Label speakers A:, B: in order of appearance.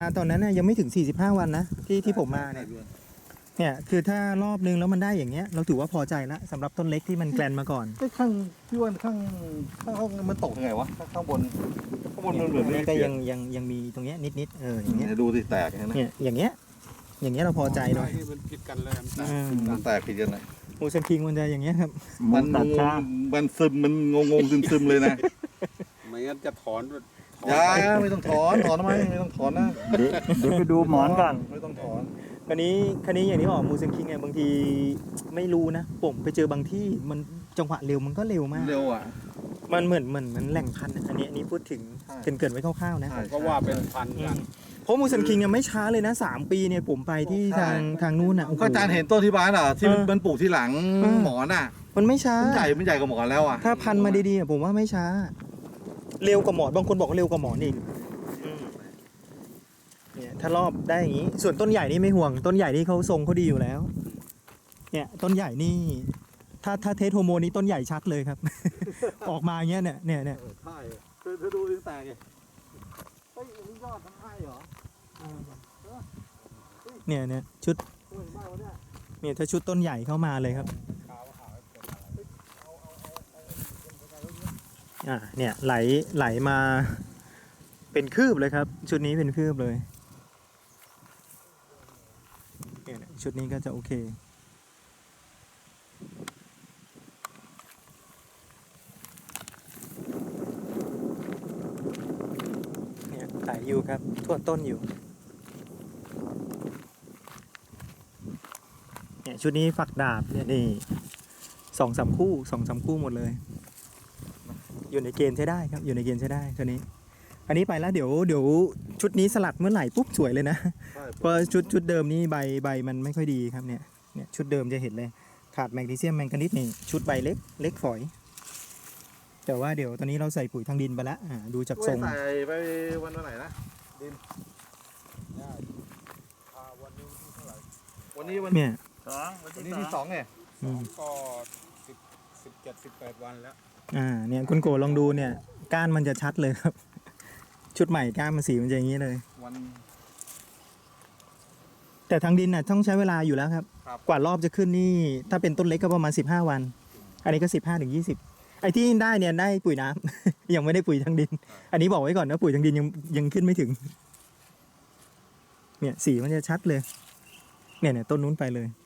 A: ตอนนั้นน่ะยังไม่ถึง45วันนะที่ผมมาเนี่ยคือถ้ารอบนึงแล้วมันได้อย่างเงี้ยเราถือว่าพอใจละสำหรับต้นเล็กที่มันแกลนมาก่อน
B: ไอ้ข้างพี่ว่าข้างมันตกยังไงวะข้างบนมันเหมือน
A: นี่ก็ยังมีตรงเนี้ยนิดอย่างเงี้ย
B: ดูสิแตกนะ
A: เนี่ยอย่างเงี้ยเราพอใจหน่อย
C: มันผิดกันเลย
B: มันแตกผิดกันเลย
A: มูซันคิงมันจะอย่างเงี้ยครับ
B: มันมันซึมมันงงซึมเลยนะ
C: ไม่งั้นจะถอน
B: ยาไม่ต้องถอนทำไมไม่ต้องถอนนะ
D: เดี๋ยวไปดูหมอนก่อน
B: ไม่ต้องถอน
A: คันนี้อย่างที่บอกมูซันคิงไงบางทีไม่รู้นะผมไปเจอบางที่มันจังหวะเร็วมันก็เร็วมาก
B: เร็วอ่ะ
A: มันเหมือนแหล่งพันธุ์อันนี้พูดถึงเกินไว้คร่าวๆนะ
C: ก็ว่าเป็นพันกัน
A: เพราะมูซันคิงเนี่ยไม่ช้าเลยนะ3 ปีเนี่ยผมไปที่ทางนู้นอ่ะ
B: ก็อาจารย์เห็นต้นที่บ้านอ่ะที่มันปลูกที่หลังหมอนอ่ะ
A: มันไม่ช้า
B: มันใหญ่กว่าหมอนแล้วอ่ะ
A: ถ้าพันธุ์มาดีๆผมว่าไม่ช้า เร็วกว่าหมอนบางคนบอกว่าเร็วกว่าหมอนอีกเนี่ยถ้ารอบได้อย่างนี้ ส่วนต้นใหญ่นี่ไม่ห่วงต้นใหญ่นี่เขาทรงเขาดีอยู่แล้ว เนี่ยต้นใหญ่นี่ถ้าเทสโฮอร์โมนนี้ต้นใหญ่ชัดเลยครับ ออกมาอย่างเงี้ยเนี่ย
B: ใช่เธอดูดิแตกไงเฮ้ยนี่ยอดทั้งให้เหรอ
A: เนี่ยชุดเนี่ยถ้าชุดต้นใหญ่เข้ามาเลยครับเนี่ยไหลมาเป็นคืบเลยครับ ชุดนี้เป็นคืบเลยเนี่ยชุดนี้ก็จะโอเคเนี่ยไหลอยู่ครับทั่วต้นอยู่เนี่ยชุดนี้ฝักดาบเนี่ยนี่2-3 คู่หมดเลยอยู่ในเกณฑ์ใช้ได้ครับอยู่ในเกณฑ์ใช้ได้ตัวนี้อันนี้ไปแล้วเดี๋ยวชุดนี้สลัดเมื่อไหร่ปุ๊บสวยเลยนะเพราะชุดเดิมนี่ใบมันไม่ค่อยดีครับเนี่ยชุดเดิมจะเห็นเลยขาดแมกนีเซียมแมงกานีสนี่ชุดใบเล็กฝอยแต่ว่าเดี๋ยวตอนนี้เราใส่ปุ๋ยทางดินไปแล้วดูจากทรง
B: ใส่ไปวันไหนนะดินวันนี้วัน
A: เนี่ย
B: วันนี้ที่2เนี่ย
C: ก็17-18 วันแล้ว
A: เนี่ยคุณโกลองดูเนี่ยก้านมันจะชัดเลยครับ ชุดใหม่ก้านมันสีมันจะอย่างนี้เลย
B: วัน
A: แต่ทางดินน่ะต้องใช้เวลาอยู่แล้วครับ
B: ครับ
A: กว่ารอบจะขึ้นนี่ถ้าเป็นต้นเล็กก็ประมาณ15 วัน อันนี้ก็15-20ไอ้ที่ได้เนี่ยได้ปุ๋ยน้ำ ยังไม่ได้ปุ๋ยทางดิน อันนี้บอกไว้ก่อนนะปุ๋ยทางดินยังขึ้นไม่ถึง เนี่ยสีมันจะชัดเลยเนี่ยต้นนู้นไปเลย